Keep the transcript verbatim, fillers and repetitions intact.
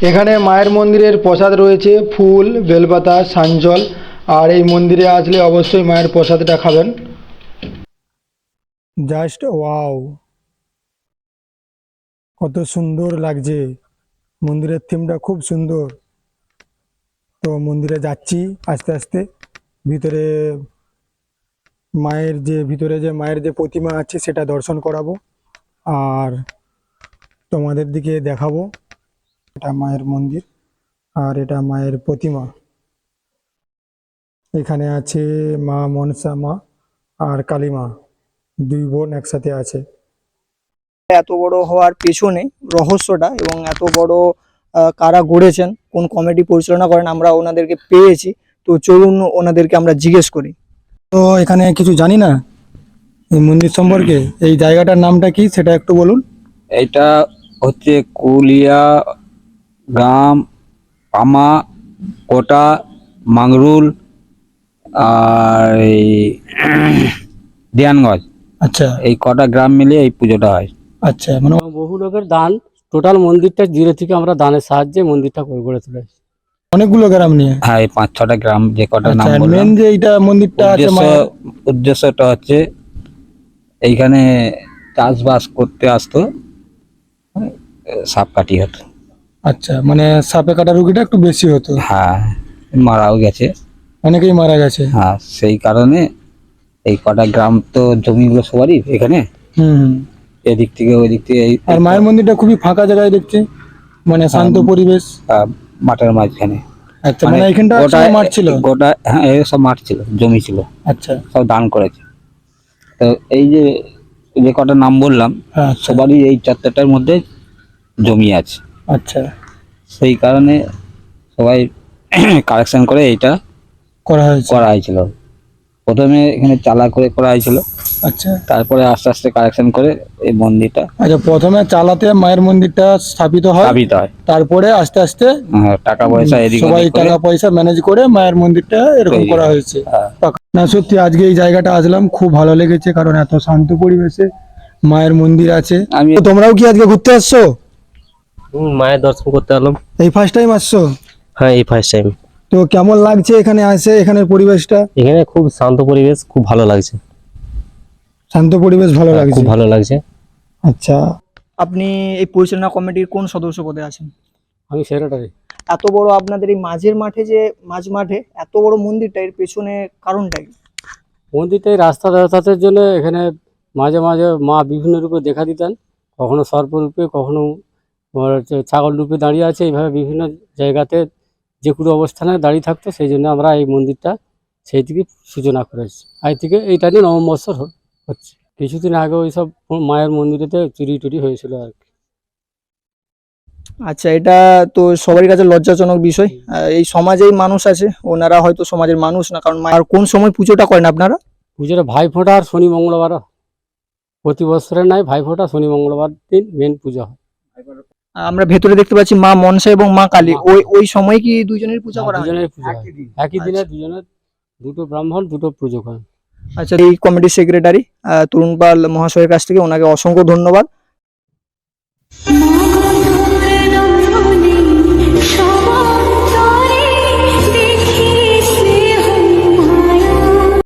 এখানে মায়ের মন্দিরের প্রসাদ রয়েছে ফুল, বেলপাতা, সাঞ্জল। আর এই মন্দিরে আসলে অবশ্যই মায়ের প্রসাদটা খাবেন। জাস্ট ওয়াও, কত সুন্দর লাগছে। মন্দিরের থিমটা খুব সুন্দর। তো মন্দিরে যাচ্ছি আস্তে আস্তে। ভিতরে মায়ের যে ভিতরে যে মায়ের যে প্রতিমা আছে সেটা দর্শন করাবো আর তোমাদের দিকে দেখাবো। এটা মায়ের মন্দির আর এটা মায়ের প্রতিমা। এখানে আছে মা মনসা মা আর কালী মা, দুই বোন একসাথে আছে। এত বড় হওয়ার পেছনে রহস্যটা এবং এত বড় আহ, কারা গড়েছেন, কোন কমিটি পরিচালনা করেন, আমরা ওনাদেরকে পেয়েছি। তো চলুন ওনাদেরকে আমরা জিজ্ঞেস করি। তো এখানে কিছু জানি না এই মন্দির সম্পর্কে। এই জায়গাটার নামটা কি সেটা একটু বলুন। এটা হচ্ছে কুলিয়া গ্রাম, পামা, কোটা, মাংরুল আর এই দিয়ানগঞ্জ। আচ্ছা এই কটা গ্রাম মিলিয়ে এই পুজোটা হয়। আচ্ছা, মানে বহু লোকের দান, টোটাল মন্দিরটা জিরো থেকে আমরা দানের সাহায্যে মন্দিরটা করে গড়ে তুলেছি। অনেকগুলো গ্রাম নিয়ে। হ্যাঁ, এই পাঁচ ছটা গ্রাম যে কটা নাম আচ্ছা, বললাম। মেন যে এইটা মন্দিরটা আছে উদ্দেশ্য মায়ের। উদ্দেশ্যটা হচ্ছে এইখানে চাষবাস করতে আসতো, সাপ কাটি হতো। আচ্ছা, মানে সাপে কাটা রুগীটা একটু বেশি হতো। হ্যাঁ, মারাও গেছে। অনেকেই মারা গেছে। হ্যাঁ, সেই কারণে এই কটা গ্রাম তো জমিগুলো সবারই এখানে, হুম হুম। এদিক থেকে ওই দিক থেকে। এই আর মায়ের মন্দিরটা খুবই ফাঁকা জায়গায় দেখছি, মানে শান্ত পরিবেশ। আহ, মাঠের মাঝখানে। আচ্ছা, মানে এখানটা গোটা একসময় মাঠ ছিল। গোটা হ্যাঁ, এই সব মাঠ ছিল, জমি ছিল, আচ্ছা সব দান করেছে। তো এই যে যে কটা নাম বললাম, হ্যাঁ, সবারই এই চত্বরটার মধ্যে জমি আছে। আচ্ছা, সেই কারণে সবাই কালেকশন করে এইটা করা হয়েছে। করা হয়েছিল। প্রথমে এখানে চালা করে করা হয়েছিল, আচ্ছা তারপরে আস্তে আস্তে কালেকশন করে এই মন্দিরটা আচ্ছা, প্রথমে চালাতে মায়ের মন্দিরটা স্থাপিত হয়, স্থাপিত হয়। তারপরে আস্তে আস্তে হ্যাঁ, টাকা পয়সা এদিক সবাই ওদিক করে। টাকা পয়সা ম্যানেজ করে মায়ের মন্দিরটা এরকম তৈরি করা হয়। হয়েছে। হ্যাঁ। না সত্যি আজকে এই জায়গাটা আসলাম, খুব ভালো লেগেছে, কারণ এত শান্ত পরিবেশে মায়ের মন্দির আছে। আমি তো তোমরাও কি আজকে ঘুরতে আসছো? হুম, মায়ের দর্শন করতে এলাম। এই ফার্স্ট টাইম আসছো? হ্যাঁ, এই ফার্স্ট টাইম। তো কেমন লাগছে এখানে আসে, এখানের পরিবেশটা? এখানে খুব শান্ত পরিবেশ, খুব ভালো লাগছে। শান্ত পরিবেশ ভালো লাগছে, খুব ভালো লাগছে। আচ্ছা, আপনি এই পরিচালনা কমিটির কোন সদস্য পদে আছেন? আমি সেক্রেটারি। এত বড় আপনাদের এই মাঝের মাঠে, যে মাঝ মাঠে এত বড় মন্দিরটা, এর পেছনে কারণটা কি? মন্দিরটাই রাস্তা যাতায়াতের জন্য এখানে মাঝে মাঝে মা বিভিন্ন রূপে দেখা দিতেন, কখনো সর্প রূপে, কখনো তোমার হচ্ছে ছাগল রূপে দাঁড়িয়ে আছে। এইভাবে বিভিন্ন জায়গাতে যে কোনো অবস্থানে দাঁড়িয়ে থাকতো। সেই জন্য আমরা এই মন্দিরটা সেই থেকে সূচনা করেছি। আজ থেকে এইটা নিয়ে নবম বৎসর হ- হচ্ছে। কিছুদিন আগে ওই সব মায়ের মন্দিরেতে চুরি টুরি হয়েছিল আর কি। আচ্ছা, এটা তো সবারই কাছে লজ্জাজনক বিষয়। আহ, এই সমাজেই মানুষ আছে, ওনারা হয়তো সমাজের মানুষ না, কারণ মা- আর কোন সময় পুজোটা করেন আপনারা? পুজোটা ভাইফোঁটা আর শনি মঙ্গলবার, প্রতি বছরের নাই, ভাইফোঁটা শনি মঙ্গলবার দিন মেন পুজো হয়। আমরা ভেতরে দেখতে পাচ্ছি মা মনসা এবং মা কালী। মা- ওই ওই সময় কি দুজনের পূজা করা হয়? দুজনের পুজো হয়। একই দিনে দুজনের, দুটো ব্রাহ্মণ দুটো পুজো করেন। আচ্ছা, এই কমিটির সেক্রেটারি তরুণ পাল মহাশয়ের কাছ থেকে ওনাকে অসংখ্য ধন্যবাদ।